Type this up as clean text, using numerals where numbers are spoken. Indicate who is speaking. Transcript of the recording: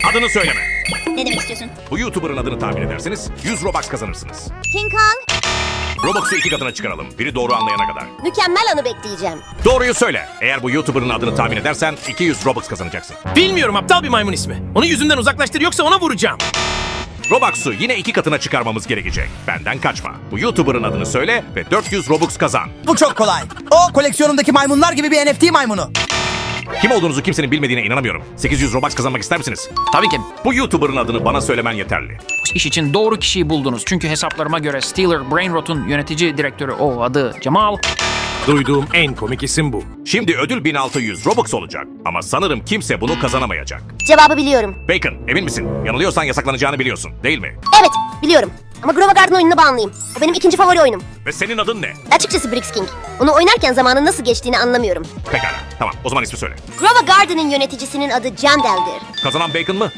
Speaker 1: Adını söyleme.
Speaker 2: Ne demek istiyorsun?
Speaker 1: Bu YouTuber'ın adını tahmin ederseniz 100 Robux kazanırsınız.
Speaker 2: King Kong.
Speaker 1: Robux'u 2 katına çıkaralım. Biri doğru anlayana kadar.
Speaker 2: Mükemmel anı bekleyeceğim.
Speaker 1: Doğruyu söyle. Eğer bu YouTuber'ın adını tahmin edersen 200 Robux kazanacaksın.
Speaker 3: Bilmiyorum, aptal bir maymun ismi. Onu yüzümden uzaklaştır yoksa ona vuracağım.
Speaker 1: Robux'u yine 2 katına çıkarmamız gerekecek. Benden kaçma. Bu YouTuber'ın adını söyle ve 400 Robux kazan.
Speaker 4: Bu çok kolay. O koleksiyonumdaki maymunlar gibi bir NFT maymunu.
Speaker 1: Kim olduğunuzu kimsenin bilmediğine inanamıyorum. 800 Robux kazanmak ister misiniz?
Speaker 5: Tabii ki.
Speaker 1: Bu YouTuber'ın adını bana söylemen yeterli.
Speaker 5: İş için doğru kişiyi buldunuz. Çünkü hesaplarıma göre Steeler Brainrot'un yönetici direktörü o adı Cemal.
Speaker 3: Duyduğum en komik isim bu.
Speaker 1: Şimdi ödül 1600 Robux olacak. Ama sanırım kimse bunu kazanamayacak.
Speaker 2: Cevabı biliyorum.
Speaker 1: Bacon, emin misin? Yanılıyorsan yasaklanacağını biliyorsun, değil mi?
Speaker 2: Evet, biliyorum. Ama Grova Garden oyununa bağımlıyım. O benim ikinci favori oyunum.
Speaker 1: Ve senin adın ne?
Speaker 2: Açıkçası Brix King. Onu oynarken zamanın nasıl geçtiğini anlamıyorum.
Speaker 1: Pekala, tamam. O zaman ismi söyle.
Speaker 2: Grova Garden'ın yöneticisinin adı Jandel'dir.
Speaker 1: Kazanan Bacon mı?